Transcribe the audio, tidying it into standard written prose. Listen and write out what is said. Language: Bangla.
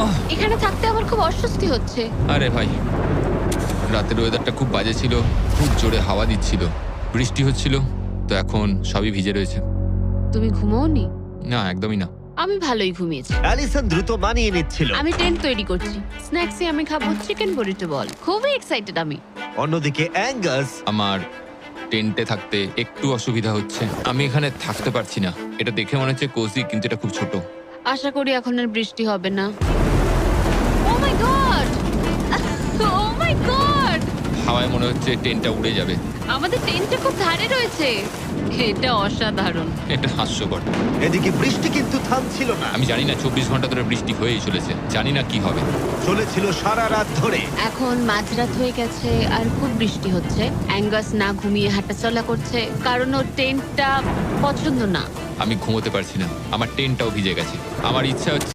এখানে থাকতে আমার খুব অস্বস্তি হচ্ছে। আরে ভাই, রাতের ওয়েদারটা খুব বাজে ছিল, খুব জোরে হাওয়া দিচ্ছিল, বৃষ্টি হচ্ছিল, তো এখন সবই ভিজে রয়েছে। তুমি ঘুমোওনি? না, একদমই না। আমি ভালোই ঘুমিয়েছি। অ্যালিসন দ্রুত মানিয়ে নিচ্ছিল। আমি টেন্ট তৈরি করছি। স্ন্যাক্সে আমি খাবো চিকেন বুরিটো বল। খুবই এক্সাইটেড আমি। অন্যদিকে অ্যাঙ্গাস আমার টেন্টে থাকতে একটু অসুবিধা হচ্ছে। আমি এখানে থাকতে পারছি না। এটা দেখে মনে হচ্ছে কোজি, কিন্তু এটা খুব ছোট। আশা করি এখন আর বৃষ্টি হবে না। Oh my god! Oh my god! হাওয়ায় মনে হচ্ছে টেন্টটা উড়ে যাবে। আমাদের টেন্টটা খুব ধারে রয়েছে। এটা অসাধারণ। এটা হাস্যকর। এদিকে বৃষ্টি কিন্তু থামছিল না, আমি জানি না 24 ঘন্টা ধরে বৃষ্টি হয়েই চলেছে। জানি না কি হবে। চলেছিল সারা রাত ধরে। এখন মাঝরাত হয়ে গেছে আর খুব বৃষ্টি হচ্ছে। অ্যাঙ্গাস না ঘুমিয়ে হাঁটাচলা করছে কারণ ওর টেন্টটা পছন্দ না। আমি ঘুমোতে পারছি না। আমার টেন্টটাও ভিজে গেছে। আমার ইচ্ছা হচ্ছে